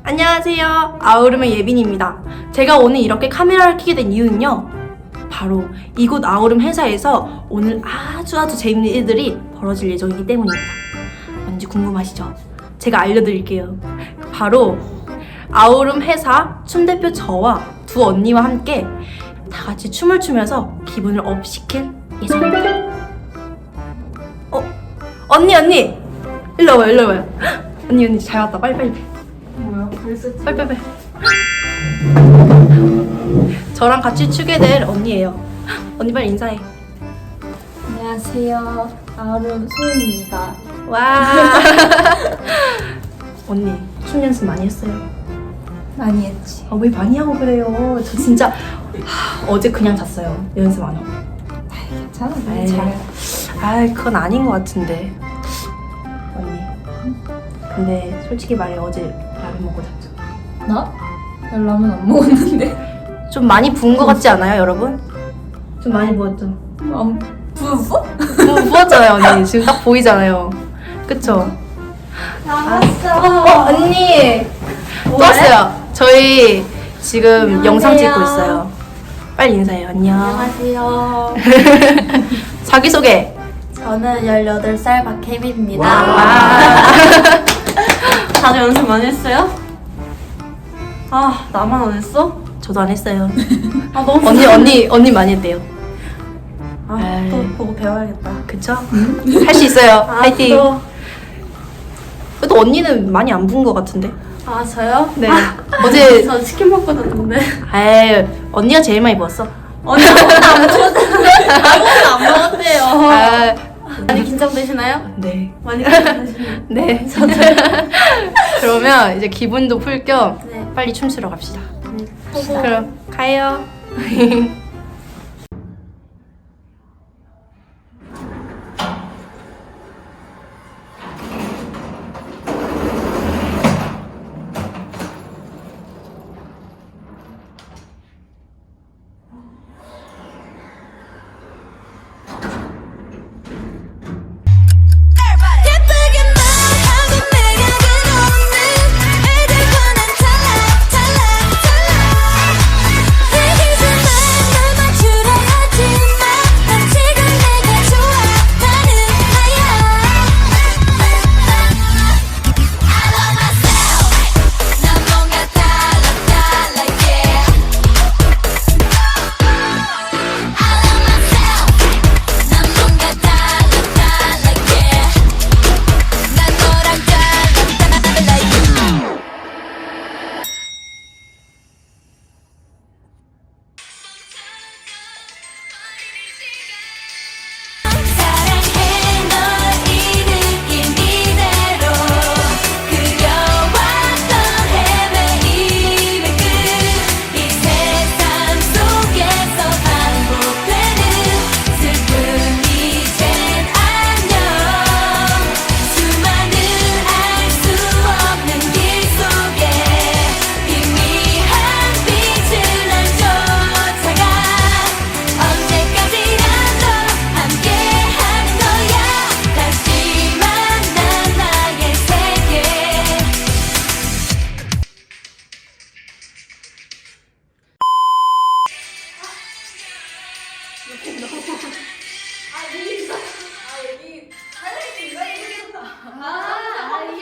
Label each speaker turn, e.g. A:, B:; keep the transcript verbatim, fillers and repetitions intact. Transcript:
A: 안녕하세요. 아우름의 예빈입니다. 제가 오늘 이렇게 카메라를 켜게 된 이유는요, 바로 이곳 아우름 회사에서 오늘 아주 아주 재밌는 일들이 벌어질 예정이기 때문입니다. 뭔지 궁금하시죠? 제가 알려드릴게요. 바로 아우름 회사 춤대표 저와 두 언니와 함께 다 같이 춤을 추면서 기분을 업시킬 예정입니다. 어? 언니 언니! 일로 와봐요, 일로 와봐요. 언니 언니 잘 왔다. 빨리 빨리
B: 뭐야? 벌써
A: 빨리 빨리 빨리. 저랑 같이 추게 될 언니예요. 언니 빨리 인사해.
B: 안녕하세요. 아우름 소은입니다.
A: 와. 언니 춤 연습 많이 했어요?
B: 많이 했지.
A: 아, 왜 많이 하고 그래요? 저 진짜 하, 어제 그냥 잤어요. 연습 안 하고.
B: 괜찮아.
A: 에이.
B: 잘.
A: 아, 그건 아닌 것 같은데. 언니. 근데 솔직히 말해 어제 라면 먹고 잤죠.
B: 나? 나 라면 안 먹었는데.
A: 좀 많이 부은 것 같지 않아요, 여러분? 좀 많이 부었죠?
B: 안 부었어?
A: 부, 부었잖아요, 언니. 지금 딱 보이잖아요. 그쵸?
B: 나왔어.
A: 어, 언니! 또 왔어요. 저희 지금 영상
B: 안녕하세요.
A: 찍고 있어요. 빨리 인사해요. 안녕.
B: 안녕하세요.
A: 자기소개.
B: 저는 열여덟 살 박혜빈입니다.
A: 와.
B: 다들 연습 많이 했어요? 아, 나만 안 했어?
A: 저도 안 했어요.
B: 아, 너무
A: 언니, 언니, 언니 많이 했대요.
B: 아,
A: 에이.
B: 또 보고 배워야겠다.
A: 그쵸? 할 수 있어요.
B: 아,
A: 파이팅.
B: 또.
A: 그래도 언니는 많이 안 부은 것 같은데?
B: 아, 저요?
A: 네.
B: 아,
A: 어제,
B: 저 치킨 먹고 잤는데.
A: 에이, 언니가 제일 많이 부었어.
B: 언니 아무것도 안 먹었잖아요. 아무것도 안 먹었대요.
A: 아,
B: 많이 긴장되시나요?
A: 네.
B: 많이 긴장되시나요?
A: 네. 그러면 이제 기분도 풀 겸
B: 네.
A: 빨리 춤추러 갑시다.
B: 보고
A: 그럼 가요.